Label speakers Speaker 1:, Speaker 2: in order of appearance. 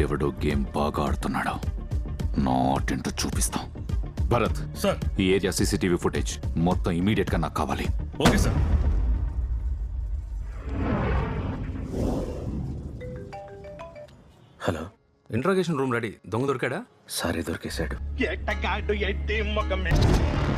Speaker 1: వీడెవడో గేమ్ బాగా ఆడుతున్నాడు. నాటింటూ చూపిస్తాం. భరత్
Speaker 2: సార్,
Speaker 1: ఈ ఏరియా సీసీటీవీ ఫుటేజ్ మొత్తం ఇమీడియట్ గా నాకు కావాలి.
Speaker 2: Okay sir.
Speaker 3: Hello,
Speaker 4: interrogation room ready. దొంగ దొరికాడా?
Speaker 3: సారీ దొరికేశాడు.
Speaker 2: ఎట్టగాడు ఎట్టి మొగమే